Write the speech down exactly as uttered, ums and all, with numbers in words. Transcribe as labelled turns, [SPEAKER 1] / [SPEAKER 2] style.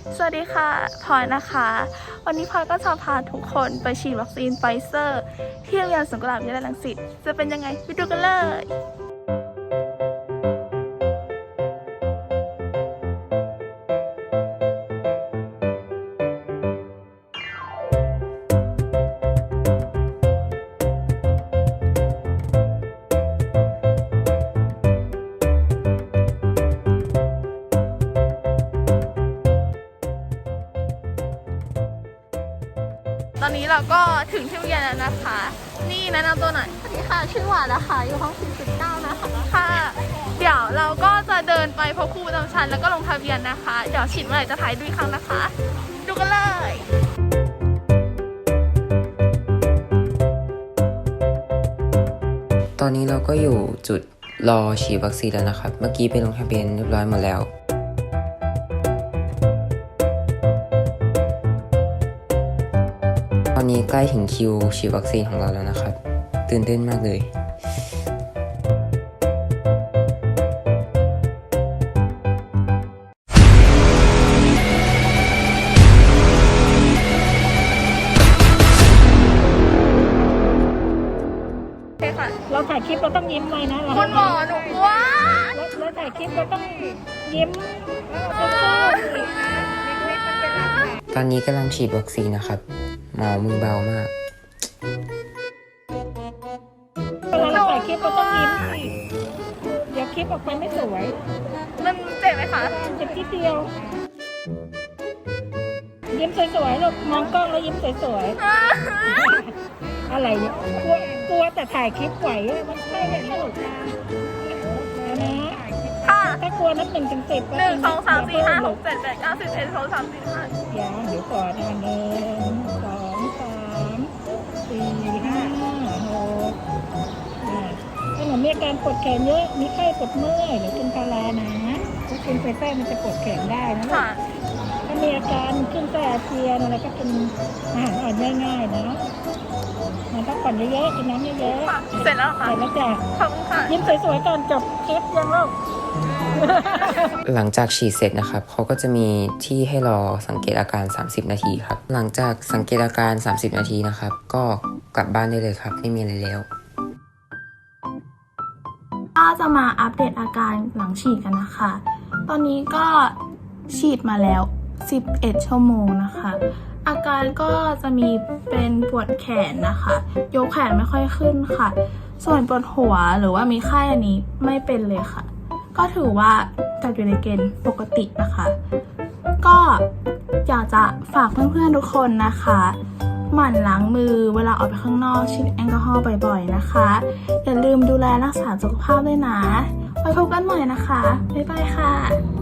[SPEAKER 1] สวัสดีค่ะพลอยนะคะวันนี้พลอยก็จะพาทุกคนไปฉีดวัคซีนไฟเซอร์ที่โรงเรียนสวนกุหลาบวิทยาลัยรังสิตจะเป็นยังไงไปดูกันเลยตอนนี้เราก็ถึงที่โรงเรียนแล้วนะคะนี่แนะนำตัวหน่อยสวัสดีค่ะชื่อหวานนะคะอยู่ห้อง สี่สิบเก้า นะคะค่ะเดี๋ยวเราก็จะเดินไปพบครูประจำชั้นแล้วก็ลงทะเบียนนะคะเดี๋ยวฉีดเมื่อไหร่จะถ่ายดูอีกครั้งนะคะดูกันเลย
[SPEAKER 2] ตอนนี้เราก็อยู่จุดรอฉีดวัคซีนแล้วนะครับเมื่อกี้ไปลงทะเบียนเรียบร้อยหมดแล้วตอนนี้ใกล้ถึงคิวฉีดวัคซีนของเราแล้วนะครับตื่นเต้นมากเลย
[SPEAKER 3] เราถ่ายคลิปเราต้องยิ้มไว้นะเรา
[SPEAKER 1] คุณหมอหนูกลัว
[SPEAKER 3] เราถ่ายคลิปเราต้องยิ้ม
[SPEAKER 2] ตอนนี้กำลังฉีดวัคซีนนะครับหมอมือเบามาก
[SPEAKER 3] เวลาเราถ่ายคลิปเราต้องยิ้มสิเดี๋ยวคลิปออกไปไม่สวย
[SPEAKER 1] มันเจ็บไหมคะ
[SPEAKER 3] เจ็บทีเดียวยิ้มสวยๆลูกมองกล้องแล้วยิ้มสวยๆอะไรเนี่ยกลัวกลัวแต่ถ่ายคลิปไหวมันใช่ไหมลูกนะ
[SPEAKER 1] ค่ะ
[SPEAKER 3] ถ้ากลัวนับหนึ่งถึงสิบ
[SPEAKER 1] หนึ่งสองสามสี่ห้าหกเจ็ดแปดเก้าสิบเอ็ดสองสามสี่ห้า
[SPEAKER 3] อย่าเดี๋ยวก่อนนะหนึ่งสองสามสี่ห้าหกถ้าหนูมีอาการปวดแขนเยอะมีไข้ปวดเมื่อยหรือกินพารานะถ้ากินไฟแท้มันจะปวดแขนได้นะถ้ามีอาการขึ้นไส้อาเจียนอะไรก็กินอาหารอ่อนง่ายๆนะมันพักผ่อนเยอะๆกินน้ำเยอะ
[SPEAKER 1] ๆเสร็จแล้วค่ะ
[SPEAKER 3] เสร็จแล้วจ้ะ
[SPEAKER 1] ขอบคุณค่ะ
[SPEAKER 3] ยิ้มสวยๆก่อนจบคลิปยังลูก
[SPEAKER 2] หลังจากฉีดเสร็จนะครับเขาก็จะมีที่ให้รอสังเกตอาการสามสิบนาทีครับหลังจากสังเกตอาการสามสิบนาทีนะครับก็กลับบ้านได้เลยครับไม่มีอะไรแล้ว
[SPEAKER 1] ก็จะมาอัปเดตอาการหลังฉีดกันนะคะตอนนี้ก็ฉีดมาแล้วสิบเอ็ดชั่วโมงนะคะอาการก็จะมีเป็นปวดแขนนะคะยกแขนไม่ค่อยขึ้นค่ะส่วนปวดหัวหรือว่ามีไข้อันนี้ไม่เป็นเลยค่ะก็ถือว่าจัดอยู่ในเกณฑ์ปกตินะคะก็อยากจะฝากเพื่อนๆทุกคนนะคะหมั่นล้างมือเวลาออกไปข้างนอกฉีดแอลกอฮอล์บ่อยๆนะคะอย่าลืมดูแลรักษาสุขภาพด้วยนะไว้พบกันใหม่นะคะบ๊ายบายค่ะ